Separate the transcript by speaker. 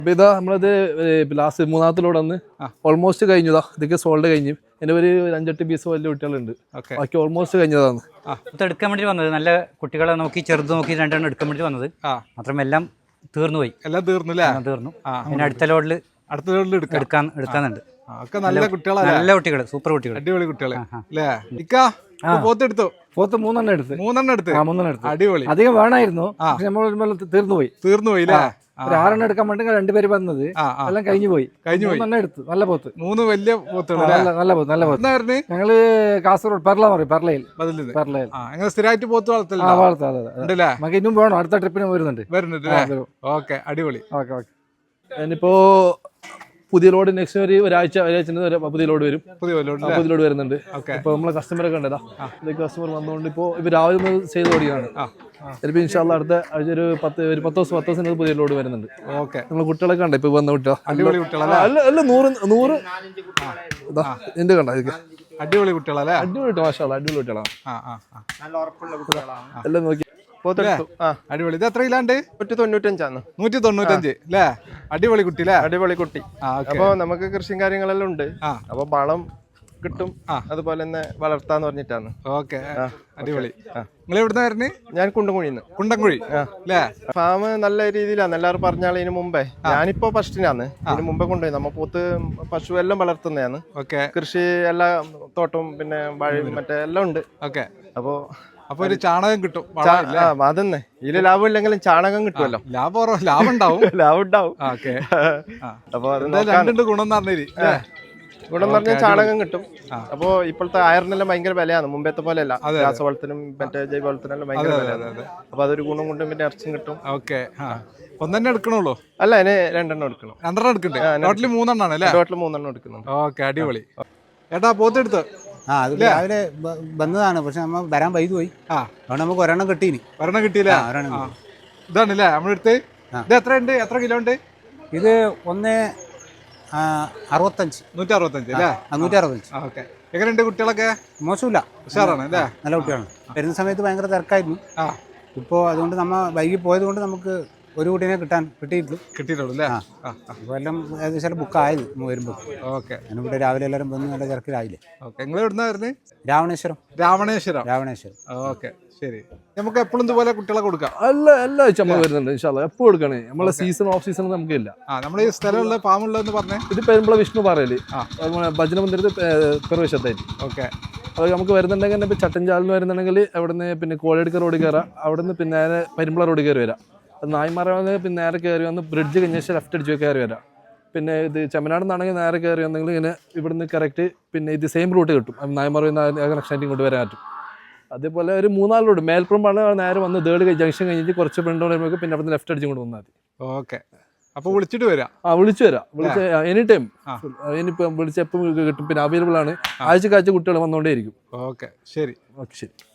Speaker 1: അപ്പോൾ ഇതാ നമ്മളത് ലാസ്റ്റ് മൂന്നാമത്തെ ലോഡ് വന്ന് ഓൾമോസ്റ്റ് കഴിഞ്ഞതാ. ഇതൊക്കെ സോൾഡ് കഴിഞ്ഞു. എൻ്റെ ഒരു 5-8 പീസ് വലിയ കുട്ടികളുണ്ട്. ബാക്കി ഓൾമോസ്റ്റ് കഴിഞ്ഞതാണ്.
Speaker 2: ഇത് എടുക്കാൻ വേണ്ടി വന്നത് നല്ല കുട്ടികളെ നോക്കി ചെറുത് നോക്കി രണ്ടെണ്ണം എടുക്കാൻ വേണ്ടി വന്നത്. മാത്രം എല്ലാം തീർന്നു പോയി. എല്ലാം തീർന്നു അല്ലേ? തീർന്നു. പിന്നെ അടുത്ത ലോഡിൽ എടുക്കാനുണ്ട്. നല്ല കുട്ടികൾ, സൂപ്പർ കുട്ടികൾ, അടിപൊളി കുട്ടികൾ.
Speaker 3: പോത്ത് മൂന്നെണ്ണം എടുത്ത് അടിപൊളി. അധികം വേണമായിരുന്നു, നമ്മൾ തീർന്നുപോയി. ഒരു 6 എടുക്കാൻ വേണ്ടി 2 പേര് വന്നത് എല്ലാം കഴിഞ്ഞു പോയി. എടുത്തു. നല്ല പോത്ത്, 3 വലിയ പോത്തുകൾ. നല്ല പോത്ത്. ഞങ്ങള് കാസർഗോഡ് പെർളയിൽ
Speaker 1: സ്ഥിരമായിട്ട് പോത്ത്
Speaker 3: വളർത്താം. നമുക്ക് ഇന്നും വേണം, അടുത്ത ട്രിപ്പിന് വരുന്നുണ്ട്.
Speaker 1: അടിപൊളി. ഞാനിപ്പോ പുതിയ ലോഡ് നെക്സ്റ്റ് ഒരാഴ്ച പുതിയ ലോഡ് വരും. പുതിയ ലോഡ് വരുന്നുണ്ട്. ഇപ്പൊ നമ്മളെ കസ്റ്റമറൊക്കെ ഉണ്ടല്ലോ, കസ്റ്റമർ വന്നുകൊണ്ട് ഇപ്പൊ രാവിലെ ഒന്ന് ചെയ്ത് ഓടിയാണ്. ചിലപ്പോൾ ഇൻഷാല്ലാ അടുത്ത ആഴ്ച ഒരു 10 ദിവസം പുതിയ ലോഡ് വരുന്നുണ്ട്. നമ്മളെ കുട്ടികളൊക്കെ ഉണ്ട്. ഇപ്പൊ വന്ന കുട്ടികൾ അല്ല 100 എന്റെ കണ്ട
Speaker 3: അടിപൊളി കുട്ടികളല്ലേ?
Speaker 1: അടിപൊളി മാഷാഅല്ലാ, അടിപൊളി കുട്ടികളാണ്. എല്ലാം നോക്കി
Speaker 3: അടിപൊളി. ഇത് എത്ര കിലാണ്ട്?
Speaker 4: 195
Speaker 3: അല്ലേ? അടിപൊളി കുട്ടി അല്ലേ?
Speaker 4: അടിപൊളി കുട്ടി. അപ്പൊ നമുക്ക് കൃഷിയും കാര്യങ്ങളെല്ലാം ഉണ്ട്. അപ്പൊ വളം കിട്ടും, അതുപോലെ തന്നെ വളർത്താന്ന് പറഞ്ഞിട്ടാണ്.
Speaker 3: അടിപൊളി. നിങ്ങൾ എവിടുന്ന വരുന്നേ?
Speaker 4: ഞാൻ കുണ്ടൻകുഴി
Speaker 3: അല്ലേ?
Speaker 4: ഫാം നല്ല രീതിയിലാണ്. എല്ലാവരും പറഞ്ഞാൽ ഇതിനു മുമ്പേ, ഞാനിപ്പോ ഫസ്റ്റിനാണ്. ഇതിന് മുമ്പേ കൊണ്ടുപോയി നമ്മ പോത്ത് പശു എല്ലാം വളർത്തുന്നതാണ്. കൃഷി എല്ലാ തോട്ടവും പിന്നെ വാഴയും മറ്റേ എല്ലാം ഉണ്ട്.
Speaker 3: അപ്പൊ ഒരു ചാണകം കിട്ടും.
Speaker 4: അതന്നെ, ഇതില് ലാഭം ഇല്ലെങ്കിലും ചാണകം കിട്ടുമല്ലോ.
Speaker 3: ലാഭം ഉണ്ടാവും.
Speaker 4: അപ്പൊ
Speaker 3: ഗുണം
Speaker 4: ഗുണം പറഞ്ഞാൽ ചാണകം കിട്ടും. അപ്പൊ ഇപ്പോഴത്തെ അയറിനെല്ലാം ഭയങ്കര വിലയാണ്, മുമ്പത്തെ പോലെ അല്ല. രാസവളത്തിനും മറ്റേ ജൈവവളത്തിനെല്ലാം ഭയങ്കര വിലയാണ്. അപ്പൊ അതൊരു ഗുണം കൊണ്ടും പിന്നെ ഇറച്ചും കിട്ടും.
Speaker 3: ഒന്നെ എടുക്കണുള്ളൂ?
Speaker 4: അല്ല, അതിന് 2 എണ്ണം എടുക്കണം.
Speaker 3: 2 എടുക്കണ്ടേ? ടോട്ടല് 3 എണ്ണാണ് അല്ലേ?
Speaker 4: ടോട്ടല് 3 എണ്ണം എടുക്കുന്നുണ്ട്.
Speaker 3: അടിപൊളി. ഏട്ടാ പോത്തെടുത്ത്
Speaker 5: അത് രാവിലെ വന്നതാണ്, പക്ഷെ നമ്മ വരാൻ വൈകി പോയി. അതുകൊണ്ട് നമുക്ക് ഒരെണ്ണം കിട്ടീനി.
Speaker 3: ഒരെണ്ണം കിട്ടിയില്ല. ഇതാണല്ലേ നമ്മളെടുത്ത്. ഇത് എത്ര ഉണ്ട്? എത്ര കിലോ ഉണ്ട്
Speaker 5: ഇത്? 165.
Speaker 3: 165 അല്ലേ?
Speaker 5: 165.
Speaker 3: എങ്ങനെയുണ്ട് കുട്ടികളൊക്കെ?
Speaker 5: മോശമില്ല,
Speaker 3: ഉഷാറാണ് അല്ലേ?
Speaker 5: നല്ല കുട്ടികളാണ്. വരുന്ന സമയത്ത് ഭയങ്കര തിരക്കായിരുന്നു. ഇപ്പോ അതുകൊണ്ട് നമ്മ വൈകി പോയത് കൊണ്ട് നമുക്ക് ഒരു കുട്ടീനെ കിട്ടിയിട്ടുള്ളൂ അല്ലേ? അപ്പോൾ എല്ലാം ഏകദേശം ബുക്കായത് വരുമ്പോൾ. ഞാനിവിടെ രാവിലെ എല്ലാവരും വന്ന് നല്ല തിരക്കിലായില്ലേ.
Speaker 3: നിങ്ങൾ എവിടുന്നാ വരുന്നത്?
Speaker 5: രാവണേശ്വരം.
Speaker 3: ശരി. നമുക്ക് എപ്പോഴും ഇതുപോലെ കുട്ടികളെ കൊടുക്കാം?
Speaker 1: എല്ലാ ആഴ്ച നമ്മൾ വരുന്നുണ്ട് ഇൻഷാല്ലാ. എപ്പോൾ കൊടുക്കണേ, നമ്മളെ സീസൺ ഓഫ് സീസൺ നമുക്കില്ല.
Speaker 3: നമ്മുടെ ഈ സ്ഥലമുള്ള ഫാമുള്ളതെന്ന് പറഞ്ഞേ?
Speaker 1: ഇത് പെരുമ്പള വിഷ്ണു പറയല്, ഭജന മന്ദിരത്തിൽ പെറുവശത്തായിട്ട്. അത് നമുക്ക് വരുന്നുണ്ടെങ്കിൽ ഇപ്പം ചട്ടഞ്ചാലിന് വരുന്നുണ്ടെങ്കിൽ അവിടുന്ന് പിന്നെ കോഴിയടുക്ക റോഡ് കയറാം. അവിടുന്ന് പിന്നെ പെരുമ്പള റോഡ് കയറി വരാം. അത് നായ്മറ വന്ന് പിന്നെ നേരെ കയറി വന്ന് ബ്രിഡ്ജ് കഴിഞ്ഞ ശേഷം ലെഫ്റ്റ് അടിച്ച് കയറി വരാം. പിന്നെ ഇത് ചെമ്മനാട് നിന്നാണെങ്കിൽ നേരെ കയറി വന്നെങ്കിൽ ഇങ്ങനെ ഇവിടുന്ന് കറക്റ്റ് പിന്നെ ഇത് സെയിം റൂട്ട് കിട്ടും. നായ്മറ കണക്ഷൻ കൊണ്ട് വരാൻ പറ്റും. അതേപോലെ ഒരു 4 റോഡ് മേൽപ്പുറമാണ് നേരെ വന്ന് തേർഡ് ജംഗ്ഷൻ കഴിഞ്ഞിട്ട് കുറച്ച് ഫ്രണ്ട് വരുമ്പോൾ പിന്നെ അവിടുന്ന് ലെഫ്റ്റ് അടിച്ചും കൊണ്ട് വന്നാൽ മതി.
Speaker 3: അപ്പോൾ വിളിച്ചിട്ട് വരാം.
Speaker 1: വിളിച്ചു എനി ടൈം. ഇനിയിപ്പോൾ വിളിച്ച് എപ്പോൾ കിട്ടും. പിന്നെ അവൈലബിൾ ആണ്. ആഴ്ച കുട്ടികൾ വന്നുകൊണ്ടേ ഇരിക്കും.
Speaker 3: ശരി.
Speaker 1: ശരി.